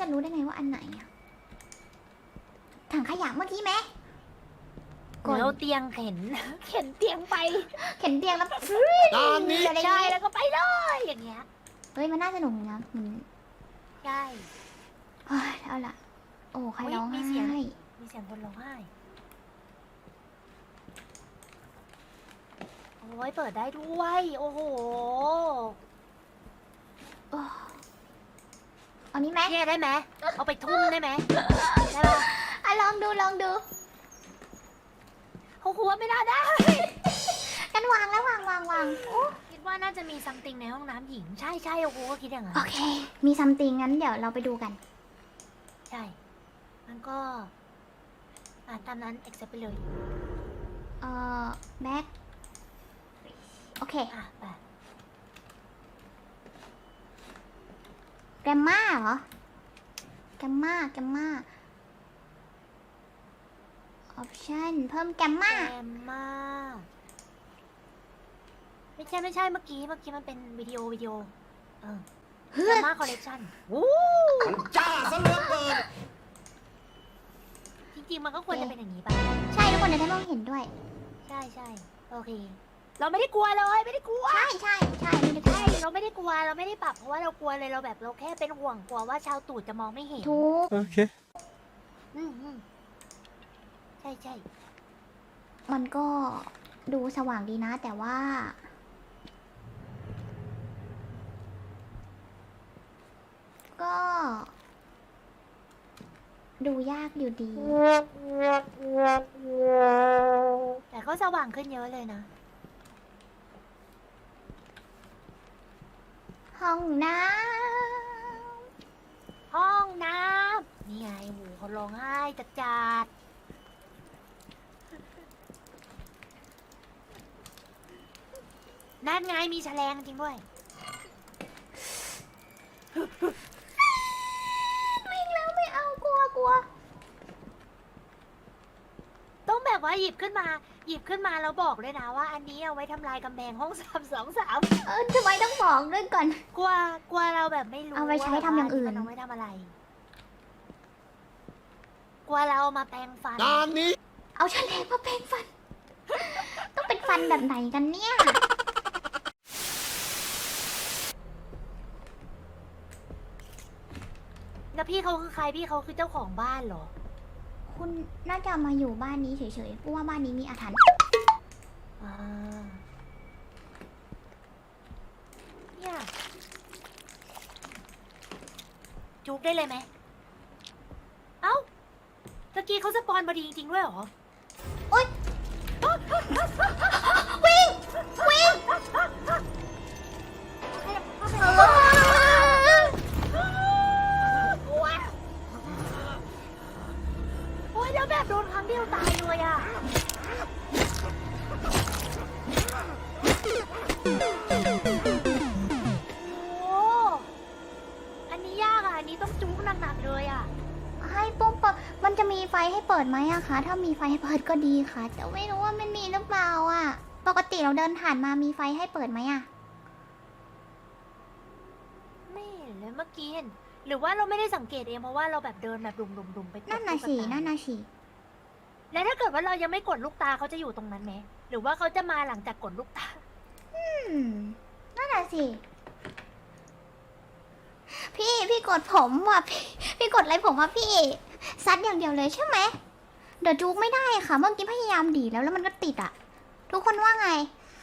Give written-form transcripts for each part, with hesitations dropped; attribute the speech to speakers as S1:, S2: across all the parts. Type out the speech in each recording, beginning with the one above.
S1: จะรู้ได้ไงว่าอันไหนอะถังขยะเมื่อกี้ไหม
S2: เราเตียงเข็น เข็นเตียงไป
S1: เข็นเตียงแล้ว
S3: ตอนนี้
S1: อะไร
S2: ใช่
S1: เงี้ย
S2: แล้วก็ไปเลยอย่างเงี้ย
S1: เฮ้ยมันน่าสนุกนะมัน
S2: ใช่
S1: เฮ้ยเอาล่ะ โอ้ใครร้อง
S2: มี
S1: ไห้
S2: เสียง มีเสียงคนร้องไห้โอ้ยเปิดได้ด้วยโอ้โห
S1: โอ้เอานี้ไหม
S2: เท่ได้ไหมเอาไปทุ่มได้ไหมได้ปะ
S1: อ่ะลองดูลองดู
S2: เขาคุว่าไม่น่าได้
S1: กันวางแล้ววางโอ้
S2: คิดว่าน่าจะมีซัมติงในห้องน้ำหญิงใช่ใช่โอ้โหก็คิดอย่างนั้น
S1: โอเค มีซัมติงงั้นเดี๋ยวเราไปดูกัน
S2: ใช่มันก็ตามนั้น accept ไปเลย
S1: แบ็คโอเค
S2: ไป
S1: แกมมาเหรอ แกมมาออปชั่นเพิ่มแกมมา
S2: แกมมาไม่ใช่เมื่อกี้มันเป็นวิดีโอ
S1: เฮ้
S2: แก
S1: ย
S2: มมาคอลเลคชั่น
S3: มันจ้าซะเหลือเกิน
S2: จริงๆมันก็ควรจะเป็นอย่างนี้ป่ะ
S1: ใช่ทุกคนในที่มองเห็นด้วย
S2: ใช่โอเค เราไม่ได้กลัวเลยไม่ได้กลัว
S1: ใช่ไม่ได้
S2: ใช่เราไม่ได้กลัวเราไม่ได้ปรับเพราะว่าเรากลัวเลยเราแบบเราแค่เป็นห่วงกลัวว่าชาวตูดจะมองไม่เห็น
S1: ทุก
S3: โอเค
S2: อืมใช่
S1: มันก็ดูสว่างดีนะ แต่ว่า ก็ ดูยากอยู่ดี
S2: แต่ก็สว่างขึ้นเยอะเลยนะ
S1: ห้องน้
S2: ห้องน้ำนี่ไงหมูเขาร้องไห้จัดนั่นไงมีแฉลงจริงด้วย
S1: ำวิ่งแล้วไม่เอากลัว
S2: ต้องแบบว่าหยิบขึ้นมาแล้วบอกเลยนะว่าอันนี้เอาไว้ทำลายกำแพงห้อง323
S1: ทำไมต้องบอกด้วยก่อน
S2: กลัวเราแบบไม่รู้
S1: เอาไว้ใช้ทำอย่างอื่น
S2: มันเอาไว้ทำอะไร กลัวเราเอามาแปรงฟัน
S3: ตอนนี้
S1: เอาแฉลงมาแปรงฟัน ต้องเป็นฟันแบบไหนกันเนี่ย
S2: แล้วพี่เขาคือใครพี่เขาคือเจ้าของบ้านเหรอ
S1: คุณน่าจะมาอยู่บ้านนี้เฉยๆเพราะว่าบ้านนี้มีอาถรรพ์
S2: อ่าเนี่ยจุกได้เลยไหม เอ้าตะกี้เขาสปอนพอดีจริงๆด้วยเหรอ
S1: วิ่ง
S2: โอ้ยแล้วแบบโดนครั้งเดียวตายเลยอ่ะ โอ้อันนี้ยากอ่ะ อันนี้ต้องจุกหนักๆเลยอ่ะ
S1: ให้ปุ้มเปิดมันจะมีไฟให้เปิดไหมอะคะ ถ้ามีไฟให้เปิดก็ดีค่ะ แต่ไม่รู้ว่ามันมีหรือเปล่าอะปกติเราเดินผ่านมามีไฟให้เปิดไหมอะ
S2: ไม่เห็นเลยเมื่อกี้เห็นหรือว่าเราไม่ได้สังเกตเองเพราะว่าเราแบบเดินแบบดุมๆไปกด
S1: นั่นน่ะ
S2: ลูก
S1: สิ
S2: ตา
S1: นั่นน่ะสิ
S2: แล้วถ้าเกิดว่าเรายังไม่กดลูกตาเขาจะอยู่ตรงนั้นไหมหรือว่าเขาจะมาหลังจากกดลูกตา
S1: นั่นน่ะสิ พี่กดผมว่ะพี่กดอะไรผมว่ะพี่ ซัดอย่างเดียวเลยใช่ไหม เดี๋ยวจูกไม่ได้ค่ะ เมื่อกี้พยายามดีดแล้วมันก็ติดอะทุกคนว่าไง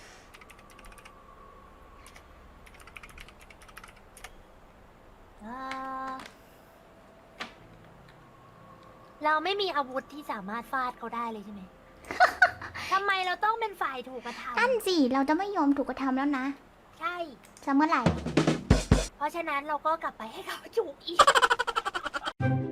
S2: เราไม่มีอาวุธที่สามารถฟาดเขาได้เลยใช่ไหม ทำไมเราต้องเป็นฝ่ายถูกกระทำ
S1: นั่นสิ เราจะไม่ยอมถูกกระทำแล้วนะ
S2: ใช่
S1: จะเมื่อไหร่
S2: เพราะฉะนั้นเราก็กลับไปให้เขาจุกอีก